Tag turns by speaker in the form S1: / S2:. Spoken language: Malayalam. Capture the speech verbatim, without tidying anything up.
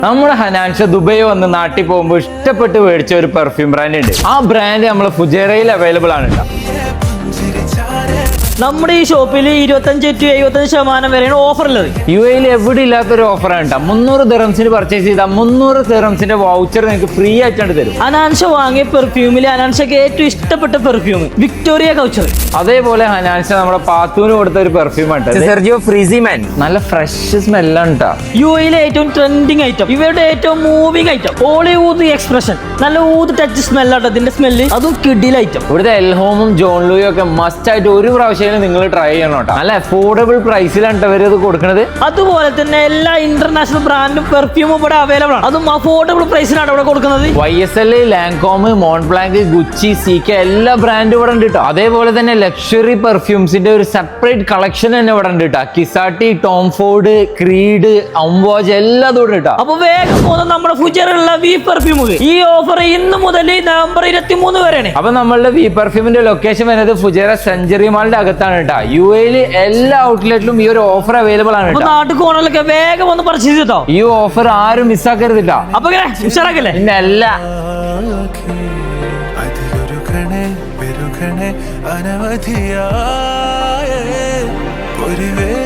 S1: നമ്മുടെ ഹനാൻഷ ദുബായ് വന്ന് നാട്ടിൽ പോകുമ്പോൾ ഇഷ്ടപ്പെട്ട് മേടിച്ച ഒരു പെർഫ്യൂം ബ്രാൻഡ് ഉണ്ട്. ആ ബ്രാൻഡ് നമ്മളെ ഫുജേറയിൽ അവൈലബിൾ ആണ്.
S2: നമ്മുടെ ഈ ഷോപ്പിൽ ഇരുപത്തഞ്ച് ടു എഴുപത്തഞ്ച് ശതമാനം വരെയാണ് ഓഫർ ഉള്ളത്.
S1: യു എയിൽ എവിടെ ഇല്ലാത്തൊരു ഓഫറാണ് കേട്ടോ. മുന്നൂറ് ദിറംസിന് പർച്ചേസ് ചെയ്താൽ മുന്നൂറ് ദിറംസിന്റെ വൗച്ചർ നിങ്ങൾക്ക് ഫ്രീ ആയിട്ടാണ് തരും.
S2: ഹനാൻഷ വാങ്ങിയ പെർഫ്യൂമിൽ ഹനാൻഷക്ക് ഏറ്റവും ഇഷ്ടപ്പെട്ട പെർഫ്യൂം വിക്ടോറിയ കൗച്ചർ.
S1: അതേപോലെ ഹനാൻഷ നമ്മുടെ പാത്തൂന് കൊടുത്ത ഒരു പെർഫ്യൂം ആണ് സെർജിയോ ഫ്രീസിമാൻ. നല്ല ഫ്രഷ് സ്മെല്ലാണ് കേട്ടോ.
S2: യു എയിലെ ഏറ്റവും ട്രെൻഡിങ് ഐറ്റം, ഇവരുടെ ഏറ്റവും മൂവിംഗ് ഐറ്റം, ഹോളിവുഡ് എക്സ്പ്രഷൻ. നല്ല ഊത് ടച്ച് സ്മെല്ലാട്ടോ ഇതിന്റെ സ്മെല്ല്, അതും കിഡിൽ ഐറ്റം.
S1: ഇവിടുത്തെ എൽഹോമും ജോൺ ലൂയും ഒക്കെ മസ്റ്റ് ആയിട്ട് ഒരു പ്രാവശ്യം നിങ്ങൾ ട്രൈ ചെയ്യണം കേട്ടോ. നല്ല അഫോർഡബിൾ പ്രൈസിലാണ് ഇവർ ഇത് കൊടുക്കുന്നത്.
S2: അതുപോലെ തന്നെ എല്ലാ ഇന്റർനാഷണൽ ബ്രാൻഡും പെർഫ്യൂമും ഇവിടെ അവൈലബിൾ ആണ്. അതും അഫോർഡബിൾ പ്രൈസിലാണ് ഇവിടെ കൊടുക്കുന്നത്.
S1: Y S L, Lancome, Montblanc, Gucci, C K എല്ലാ ബ്രാൻഡും ഇവിടെ ഉണ്ട് കേട്ടോ. അതേപോലെ തന്നെ ലക്ഷറി പെർഫ്യൂംസിന്റെ ഒരു സെപ്പറേറ്റ് കളക്ഷൻ തന്നെ ഇവിടെ ഉണ്ട് കേട്ടോ. കിസാട്ടി, ടോം ഫോർഡ്, ക്രീഡ്, അംവാജ് എല്ലാം ഇവിടെ കേട്ടോ.
S2: അപ്പൊ വേഗം പോകുന്ന നമ്മുടെ ഫ്യൂച്ചറിലുള്ള വി പെർഫ്യൂമുകൾ ഈ ഓഫർ ഇന്ന് മുതൽ നവംബർ ഇരുപത്തി മൂന്ന് വരെയാണ്.
S1: അപ്പൊ നമ്മളുടെ വി പെർഫ്യൂമിന്റെ ലൊക്കേഷൻ വരുന്നത് ഫുജേറ സെഞ്ചുറി മാളിന്റെ അകത്താണ് കേട്ടോ. യു എയില് എല്ലാ ഔട്ട്ലെറ്റിലും ഈ ഒരു ഓഫർ അവൈലബിൾ ആണ്.
S2: നാട്ടിൽ കോണലൊക്കെ വേഗം ഒന്ന് പർച്ചേസ് ചെയ്തോ.
S1: ഈ ഓഫർ ആരും മിസ്സാക്കരുത് കേട്ടോ.
S2: അപ്പൊ ഉഷാറാക്കല്ലേ.
S1: പിന്നെ അല്ല
S3: അനവധിയായ